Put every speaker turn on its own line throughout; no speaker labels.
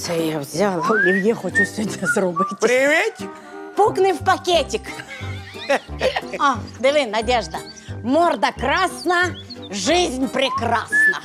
Це я взяла. Олів'є хочу сьогодні зробити.
Привіт!
Пукни в пакетик. О, диви, Надежда. Морда красна, жизнь прекрасна.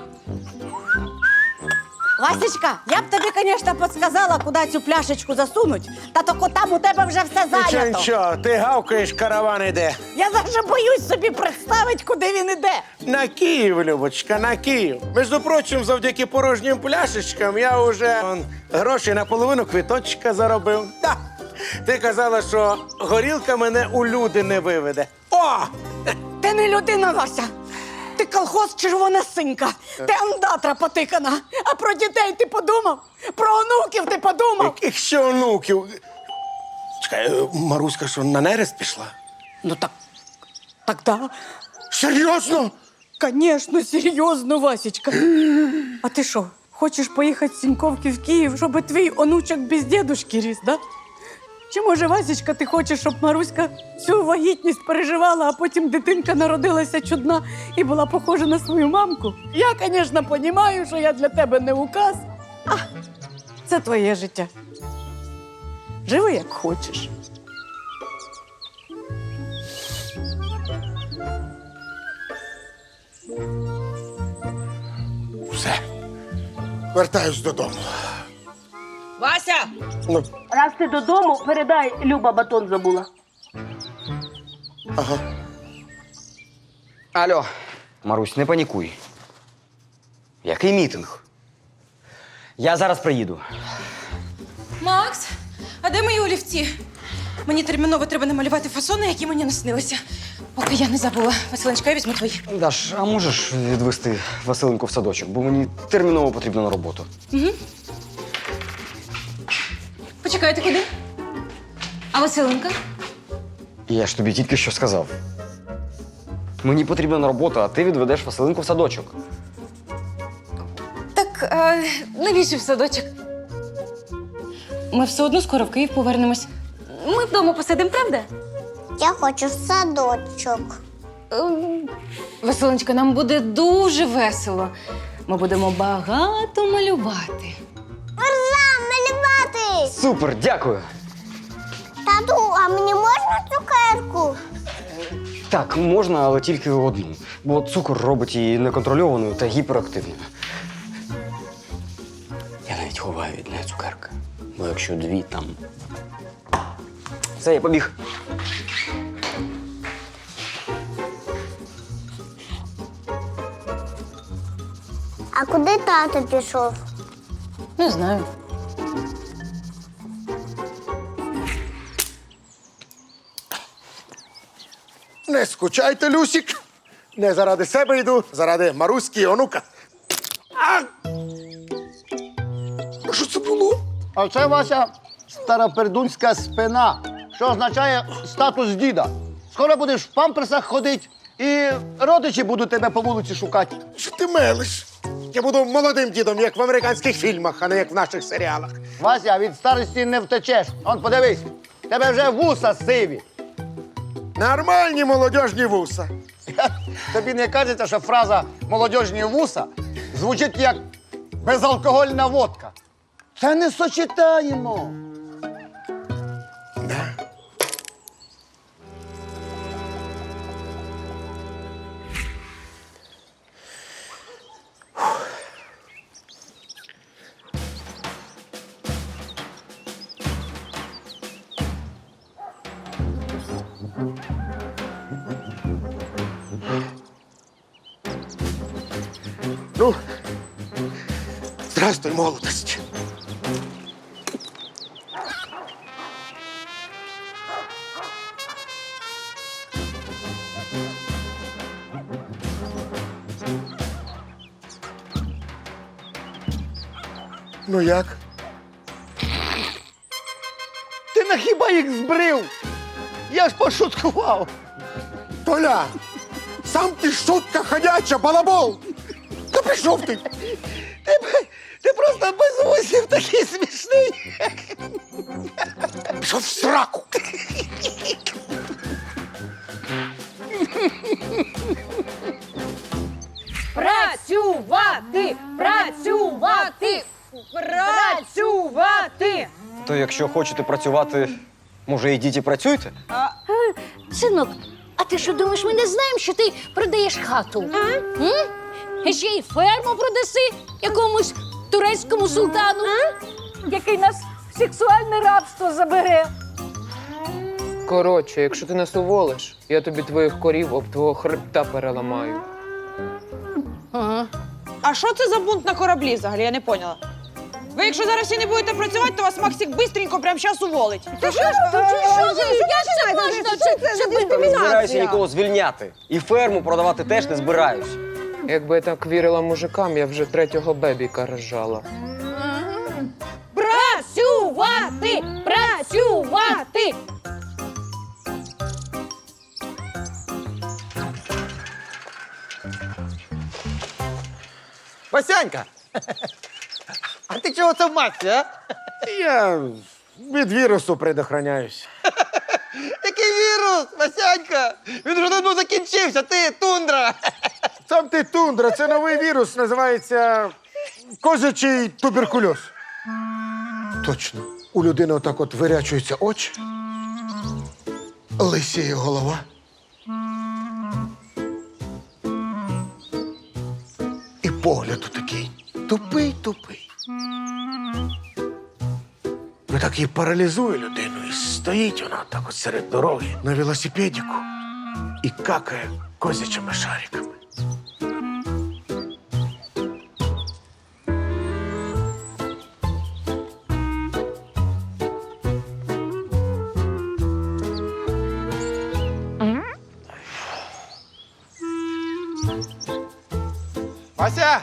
Васечка, я б тобі, звісно, підсказала, куди цю пляшечку засунуть, та тільки там у тебе вже все
Нічого,
зайнято.
нічого, ти гавкаєш, караван іде.
Я навіть боюсь собі представити, куди він іде.
На Київ, Любочка, на Київ. Між прочим, завдяки порожнім пляшечкам я вже гроші на половину квиточка заробив. Да. Ти казала, що горілка мене у люди не виведе. О!
Ти не людина, Вася. Ти колхоз червона синька. Ти андатра потикана. А про дітей ти подумав? Про онуків ти подумав?
Яких ще онуків? Чекай, Маруська що, на нерест пішла?
Ну так да.
Серйозно?
Конечно, серйозно, Васечка. А ти що, хочеш поїхати з Сіньковки в Київ, щоб твій онучок без дідушки ріс, да? Чи може, Васечка, ти хочеш, щоб Маруська всю вагітність переживала, а потім дитинка народилася чудна і була похожа на свою мамку? Я, звісно, розумію, що я для тебе не указ. А це твоє життя. Живи, як хочеш.
Все. Вертаюсь додому.
Вася!
Ну,
Раз ти додому, передай, Люба батон забула.
ага.
Алло, Марусь, не панікуй. Який мітинг? Я зараз приїду.
Макс, а де мої олівці? Мені терміново треба намалювати фасони, які мені наснилися. Поки я не забула. Василенчка, я візьму твої.
Даш, а можеш відвести Василинку в садочок, бо мені терміново потрібно на роботу.
Почекай, ти куди? А Василенка?
Я ж тобі тільки що сказав. Мені потрібно на роботу, а ти відведеш Василинку в садочок.
Так, навіщо в садочок? Ми все одно скоро в Київ повернемось. Ми вдома посидимо, правда?
Я хочу в садочок.
Василенчка, нам буде дуже весело. Ми будемо багато малювати.
Ура, малювати!
Супер, дякую!
Тату, а мені можна цукерку?
Так, можна, але тільки одну. Бо цукор робить її неконтрольованою та гіперактивною. Я навіть ховаю від неї цукерки. Бо якщо дві там. Все, я побіг.
А куди тато пішов?
Не знаю.
Не скучайте, Люсік. Не заради себе йду, заради Маруськи і онука. А! Що це було?
А це Вася старопердунська спина, що означає статус діда. Скоро будеш в памперсах ходити, і родичі будуть тебе по вулиці шукати.
Що ти мелиш? Я буду молодим дідом, як в американських фільмах, а не як в наших серіалах.
Вася, від старості не втечеш. Он подивись, тебе вже вуса сиві.
Нормальні молодіжні вуса.
Тобі не кажеться, що фраза «молодіжні вуса» звучить як безалкогольна водка. Це не сочетаємо.
Ну, здравствуй, молодость. Ну як?
Ти на хіба їх збрив? Я ж пошуткував.
Толя, сам ти шутка ходяча, балабол! Та пішов ти!
Ти просто без вусів такий смішний.
Пішов в сраку!
Працювати! Працювати! Працювати!
То якщо хочете працювати, може, йдіть і працюйте?
Синок, а ти що думаєш, ми не знаємо, що ти продаєш хату? І ще й ферму продаси якомусь турецькому султану, який нас в сексуальне рабство забере.
Коротше, якщо ти нас уволиш, я тобі твоїх корів об твого хребта переламаю.
А що це за бунт на кораблі взагалі? Я не поняла. Ви якщо зараз всі не будете працювати, то вас Максик бистренько прямо зараз уволить.
Як це можна? Це
Не збираюся нікого звільняти. І ферму продавати теж не збираюсь.
Якби я так вірила мужикам, я вже 3-го бебіка рожала.
Працювати! Працювати!
Васянька! А ти чого це в масці, а?
Я від вірусу предохраняюсь.
Який вірус, Васянька? Він вже давно закінчився, ти тундра!
Сам ти тундра, це новий вірус, називається козячий туберкульоз. Точно. У людини отак от вирячуються очі, лисіє голова. І погляд такий тупий. Ви так її паралізує людину, і стоїть вона так от серед дороги на велосипедіку і какає козячими шариками.
Вася!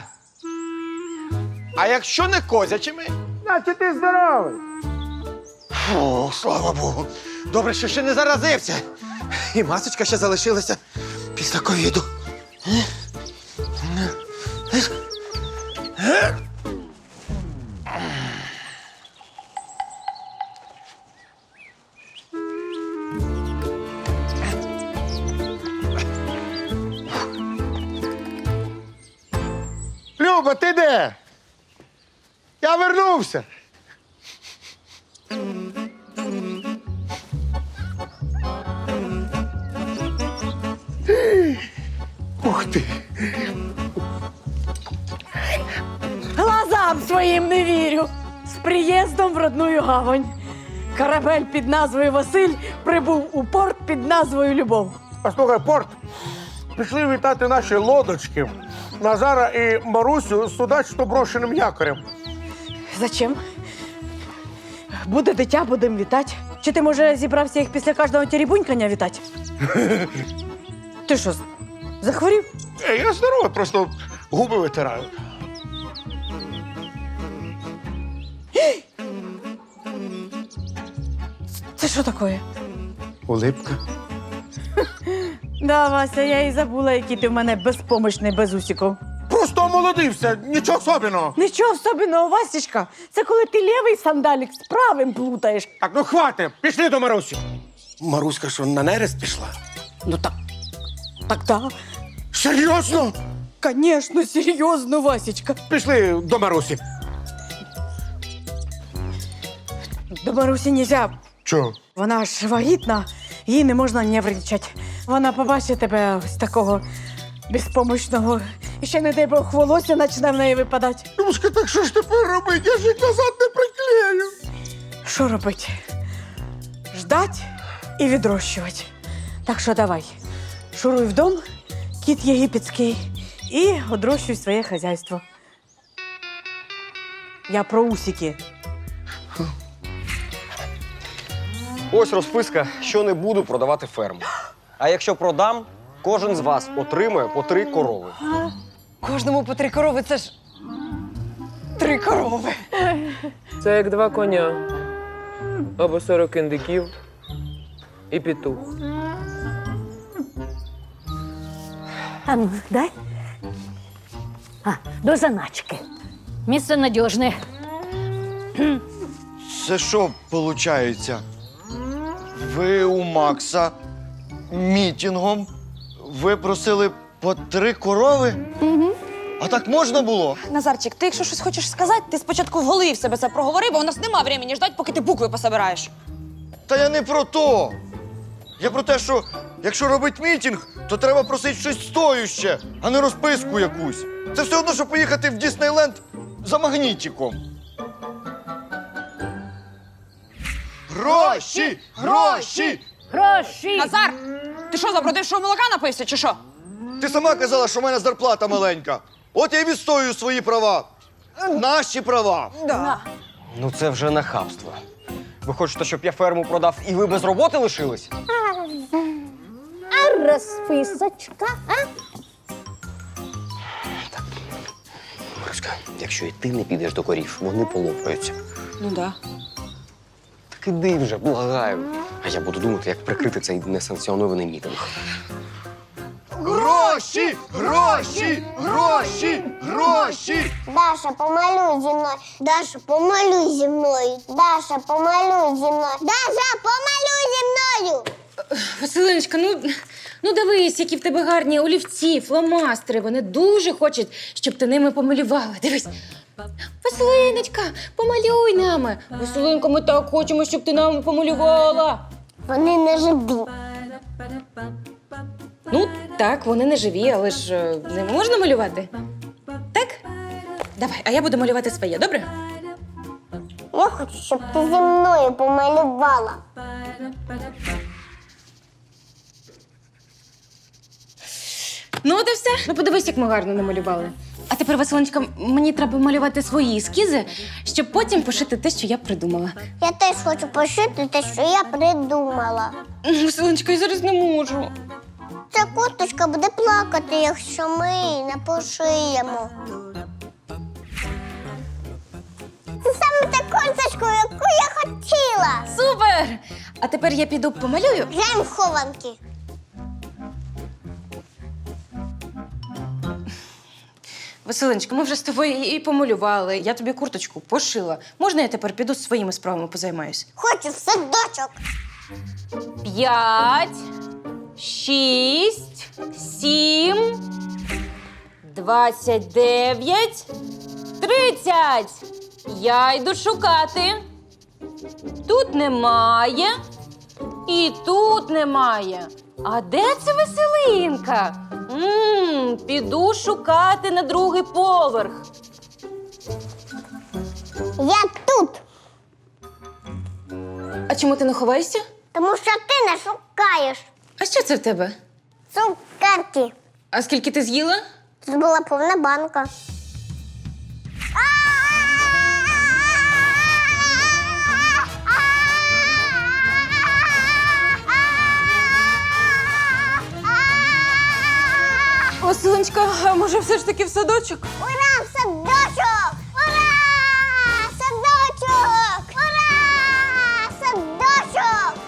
А якщо не козячими?
Значить, ти здоровий.
О, слава Богу. Добре, що ще не заразився. І масочка ще залишилася після ковіду.
Люба, ти де? Я вернувся. Ух ти.
Глазам своїм не вірю. З приїздом в родную гавань. Корабель під назвою Василь прибув у порт під назвою Любов.
А слухай, Порт, пішли вітати наші лодочки. Назара і Марусю з судачно брошеним якорем.
Зачем? Буде дитя, будемо вітати. Чи ти, може, зібрався їх після кожного теребунькання вітати? Ти що, захворів?
Я здоровий, просто губи витираю.
Це що таке?
Улипка.
Да, Вася, я і забула, який ти в мене безпомощний, без усіків.
Просто омолодився, нічого особливого.
Нічого особливого, Васечка. Це коли ти лівий сандалік з правим плутаєш.
Так, ну хватить, пішли до Марусі. Маруська що, на нерест пішла?
Ну так. Так, да.
Серйозно?
Конечно, серйозно, Васечка.
Пішли до Марусі.
До Марусі нельзя.
Чого?
Вона ж вагітна, їй не можна нервничати. Вона побачить тебе ось такого безпомощного. І ще, не дай Бог, волосся почне в неї випадати.
Любушка, так що ж тепер робити? Я ж їх назад не приклею.
Що робити? Ждать і відрощувати. Так що давай, шуруй в дом, кіт єгипетський, і одрощуй своє хазяйство. Я про усики.
Ось розписка, що не буду продавати ферму. А якщо продам, кожен з вас отримує по 3 корови.
Кожному по 3 корови, це ж 3 корови.
Це як 2 коня. Або 40 індиків і петух.
А ну, дай. До заначки. Місце надіжне.
Це що виходить? Ви у Макса мітингом випросили по 3 корови?
А так можна було?
Назарчик, ти якщо щось хочеш сказати, ти спочатку в голові в себе це проговори, бо у нас нема времени ждати, поки ти букви пособираєш.
Та я не про то. Я про те, що якщо робить мітінг, то треба просити щось стоюще, а не розписку якусь. Це все одно, що поїхати в Діснейленд за магнітиком. Гроші! Гроші!
Гроші!
Назар! Ти що, запродившого молока напився, чи що?
Ти сама казала, що в мене зарплата маленька. От я й відстоюю свої права. Наші права.
Ну це вже нахабство. Ви хочете, щоб я ферму продав і ви без роботи лишились?
А розписочка, а?
Маруська, якщо і ти не підеш до корів, вони полопаються.
Ну да.
Так іди вже, благаю. А я буду думати, як прикрити цей несанкціонований мітинг.
Гроші! Гроші! Гроші! Гроші!
Даша, помалюй зі мною. Даша, помалюй зі мною. Даша, помалюй зі мною. Даша, помалюй зі мною.
Василиночка, ну дивись, які в тебе гарні олівці, фломастери. Вони дуже хочуть, щоб ти ними помалювала. Дивись. Василиночка, помалюй нами. Василинко, ми так хочемо, щоб ти нам помалювала.
Вони не живі.
Ну, так, вони не живі, але ж не можна малювати. Так? Давай, а я буду малювати своє, добре?
Я хочу, щоб ти зі мною помалювала.
Ну, от і все. Ну, подивись, як ми гарно намалювали. А тепер, Василиночка, мені треба малювати свої ескізи, щоб потім пошити те, що я придумала.
Я теж хочу пошити те, що я придумала.
Василиночка, я зараз не можу.
Ця курточка буде плакати, якщо ми її не пошиємо. Це саме та курточка, яку я хотіла.
Супер! А тепер я піду помалюю.
Граємо в хованки.
Василиночка, ми вже з тобою і помалювали. Я тобі курточку пошила. Можна я тепер піду своїми справами позаймаюсь?
Хочу в садочок.
5, 6, 7, 29, 30. Я йду шукати. Тут немає. І тут немає. А де це Василинка? Піду шукати на другий поверх.
Я тут,
А чому ти не ховаєшся?
тому що ти не шукаєш.
А що це в тебе?
Цукерки.
А скільки ти з'їла?
Тут була повна банка.
Василиночка, а може все ж таки в садочок?
Ура, в садочок! Ура! Садочок! Ура! Садочок!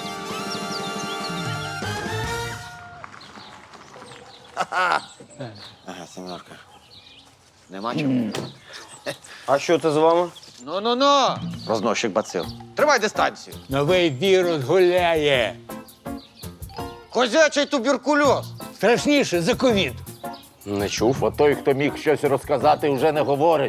Ага, Семенушка. Нема чого.
А що це з вами?
Ну. Розносчик бацил. Тримай дистанцію.
Новий вірус гуляє.
Козячий туберкульоз.
Страшніше за ковід.
Не чув.
Бо той, хто міг щось розказати, вже не говорить.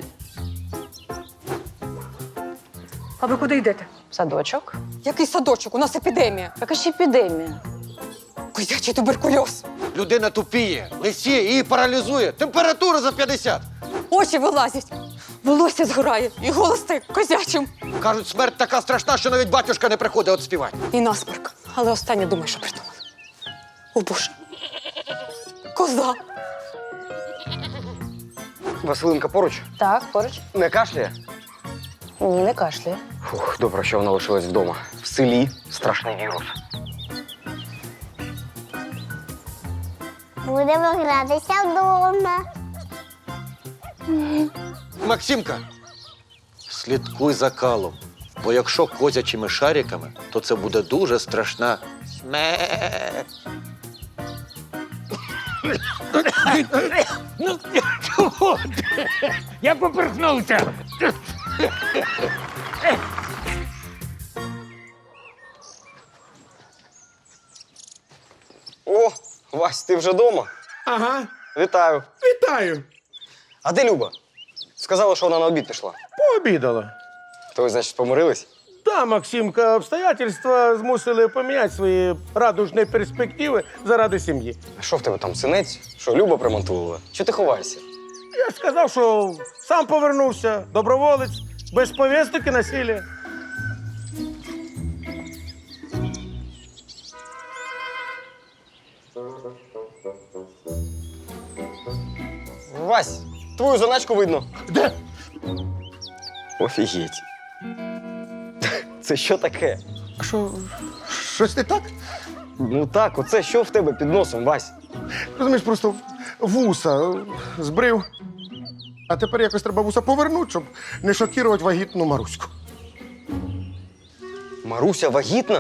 А ви куди йдете?
Садочок? Який садочок? У нас епідемія.
Яка ж епідемія?
Козячий туберкульоз.
Людина тупіє, лисіє, її паралізує. Температура за 50.
Очі вилазять, волосся згорає і голос стає козячим.
Кажуть, смерть така страшна, що навіть батюшка не приходить от співати.
І насморк. Але останнє думаю, що придумали. О, Боже. Коза.
Василинка поруч?
Так, поруч.
Не кашляє?
Ні, не кашляє.
Фух, добре, що вона лишилась вдома. В селі страшний вірус.
Будемо гратися вдома.
Максимка, слідкуй за калом. Бо якщо козячими шариками, то це буде дуже страшна смерть.
Ну, чого ти? Я поперхнувся.
О, Вась, ти вже вдома?
Ага,
Вітаю.
вітаю.
А де Люба? Сказала, що вона на обід пішла.
Пообідала.
То ви, значить, помирились?
Та, Максимка, обстоятельства змусили поміняти свої радужні перспективи заради сім'ї.
А що в тебе там, синець? Що, Люба примонтувала? Чого ти ховаєшся?
Я сказав, що сам повернувся, доброволець, без повісток і насилля.
Вась, твою заначку видно.
Де?
Офігеть. Це що таке?
А що, щось не так?
Ну так, оце що в тебе під носом, Вась?
Розумієш, просто вуса збрив. А тепер якось треба вуса повернути, щоб не шокувати вагітну Маруську.
Маруся вагітна?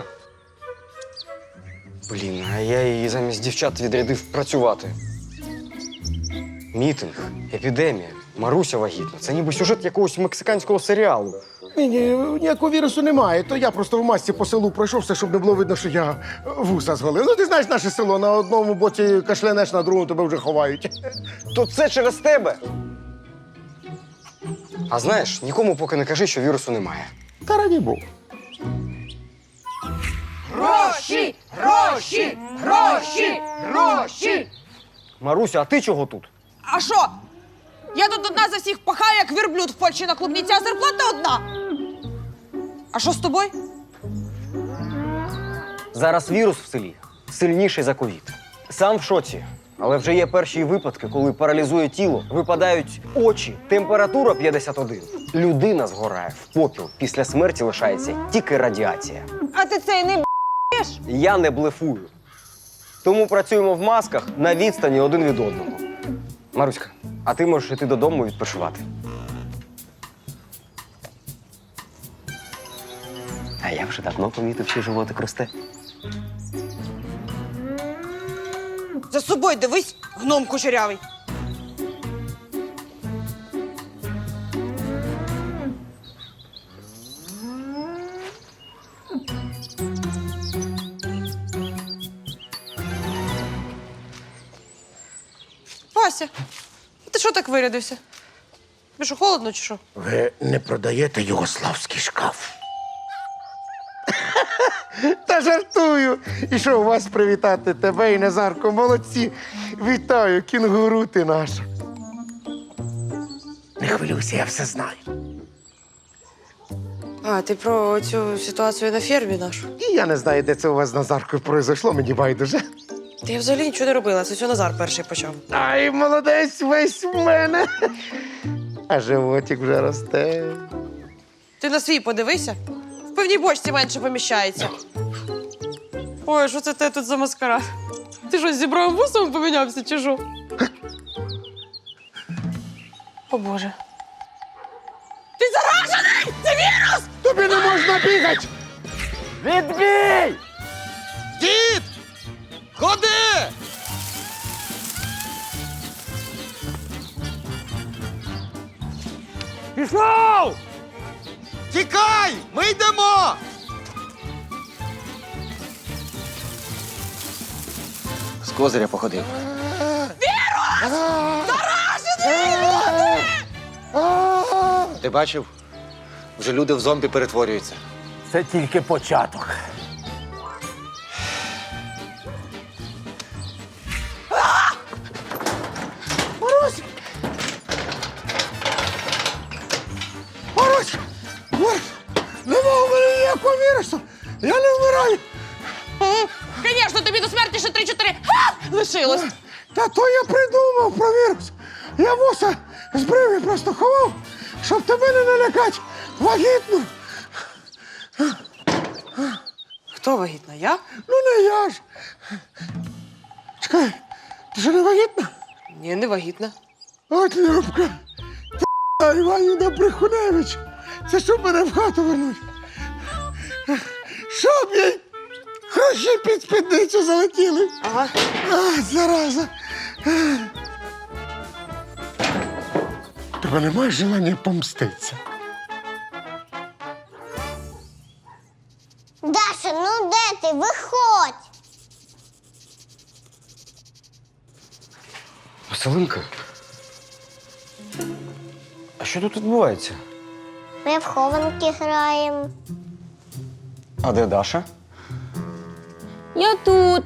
Блін, а я її замість дівчат відрядив працювати. Мітинг, епідемія, Маруся вагітна. Це ніби сюжет якогось мексиканського серіалу.
Ні, ніякого вірусу немає. То я просто в масці по селу пройшовся, щоб не було видно, що я вуса зголив. Ну, ти знаєш наше село, на одному боці кашлянеш, на другому тебе вже ховають.
То це через тебе. А знаєш, нікому поки не кажи, що вірусу немає.
Та раді Богу.
Гроші! Гроші! Гроші! Гроші!
Маруся, а ти чого тут?
А що? Я тут одна за всіх пахаю, як верблюд в Польщі на клубніці, а зарплата одна. А що з тобою?
Зараз вірус в селі сильніший за ковід. Сам в шоці. Але вже є перші випадки, коли паралізує тіло, випадають очі, температура 51. Людина згорає в попіл. Після смерті лишається тільки радіація.
А ти це і не б***єш?
Я не блефую. Тому працюємо в масках на відстані один від одного. Маруська, а ти можеш йти додому відпочивати. А я вже давно помітив, що животик росте.
За собою дивись, гном кучерявий. Вася, ти що так вирядився? Тобі що, холодно чи що?
Ви не продаєте югославський шкаф? Та жартую. І що, у вас привітати тебе і Назарко? Молодці. Вітаю, кінгуру ти наша. Не хвилюйся, я все знаю.
А, ти про цю ситуацію на фермі нашу?
І я не знаю, де це у вас з Назаркою произошло, мені байдуже.
Та я взагалі нічого не робила, це все Назар перший почав.
Ай, молодець весь в мене. А животик вже росте.
Ти на свій подивися. В певній бочці менше поміщається. Ой, що це те тут за маскарад? Ти що, з зібровим вусом помінявся чи що? О, Боже. Ти заражений! Це вірус!
Тобі не можна бігати!
Відбій! Дід! Ходи!
Пішов!
Тікай! Ми йдемо!
З козиря походив.
Ти бачив? Вже люди в зомбі перетворюються.
Це тільки початок.
Марусь! Нема у мене ніякого вірусу! Я не вмираю!
Звісно, тобі до смерті ще 3-4 лишилось.
Та то я придумав про вірус. Я вуса збрив і просто ховав, щоб тебе не налякати. Вагітну.
Хто вагітна? Я?
Ну не я ж. Чекай, ти що не вагітна?
Ні, не вагітна.
От Любка. Іванівна Брехуневич. Це щоб мене в хату вернуть. Щоб їй гроші під спідницю залетіли.
Ага.
А, зараза. Тебе немає желання помститися?
Даша, ну де ти? Виходь!
Василинка, що тут відбувається?
Ми в хованки граємо.
А де Даша?
Я тут.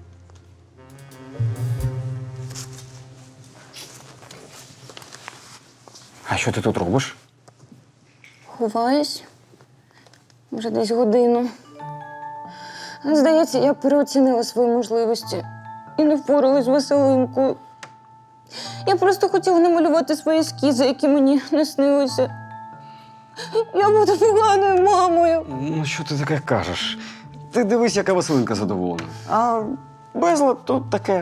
А що ти тут робиш?
Ховаюсь. Вже десь годину. Здається, я переоцінила свої можливості і не впоралась з Василинкою. Я просто хотіла намалювати свої ескізи, які мені не снилися. Я буду поганою мамою.
Ну, що ти таке кажеш? Ти дивись, яка Василинка задоволена. А безлад тут таке.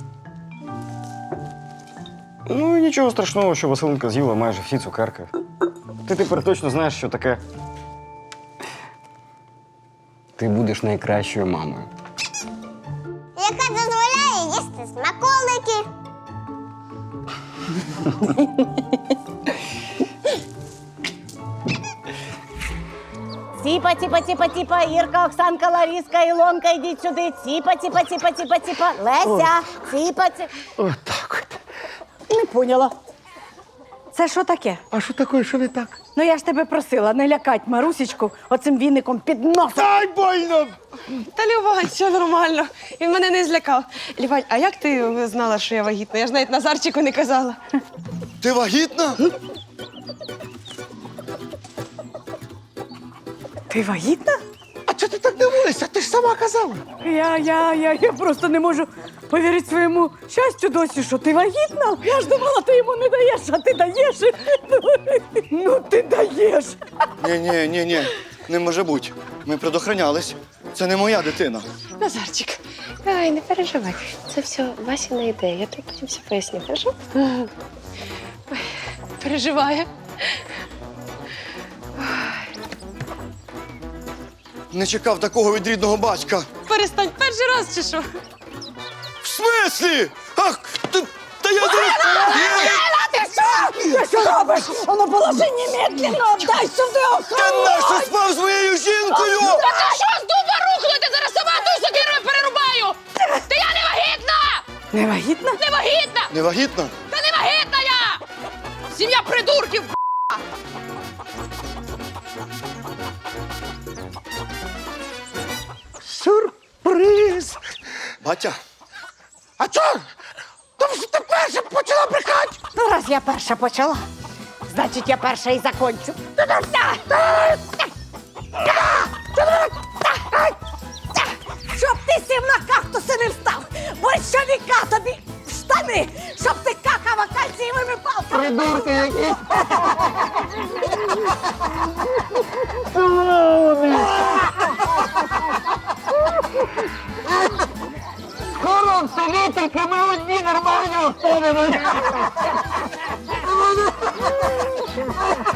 Ну і нічого страшного, що Василинка з'їла майже всі цукерки. Ти тепер точно знаєш, що таке. Ти будеш найкращою мамою.
Яка дозволяє їсти смаколики.
Тіпа, тіпа, тіпа, тіпа, Ірка, Оксанка, Ларіска, Ілонка, йдіть сюди. Тіпа, тіпа, тіпа, тіпа, тіпа. Леся, тіпа, тіпа.
Отак от.
Не поняла. Це що таке?
А що таке, що не так?
Ну я ж тебе просила не лякать Марусечку оцим віником під носом.
Ай, больно!
Та Лівань, все нормально. Він мене не злякав. Лівань, а як ти знала, що я вагітна? Я ж навіть Назарчику не казала.
Ти вагітна?
Ти вагітна?
А чого ти так дивилася? Ти ж сама казала.
Я просто не можу повірити своєму щастю досі, що ти вагітна. Я ж думала, ти йому не даєш, а ти даєш. Ну, ти даєш.
Ні, не може бути. Ми предохранялись. Це не моя дитина.
Назарчик, ай, не переживай. Це все Васіна ідея. Я тобі потім все поясню, хорошо? Ой, переживає.
Не чекав такого від рідного батька.
Перестань, перший раз чи що?
В смислі? Ах, та я зараз...
Ти що робиш? Воно положи немедленно, дай сюди
Та нащо спав з моєю жінкою?
Та ти що з дуба рухнути? Зараз сама ту сокирою перерубаю! Та я не вагітна!
Не вагітна?
Не вагітна!
Не вагітна?
Та не вагітна я! Сім'я придурків!
Сюрприз!
Батя,
А чого? Тому що ти перша почала брехати.
Ну, раз я перша почала, значить, я перша і закончу. Щоб ти сів на кактуси не встав, борщовіка тобі в штани, щоб ти какав акаційними палками. Придурки які.
Скоро в селі тільки ми одні нормальні останемо.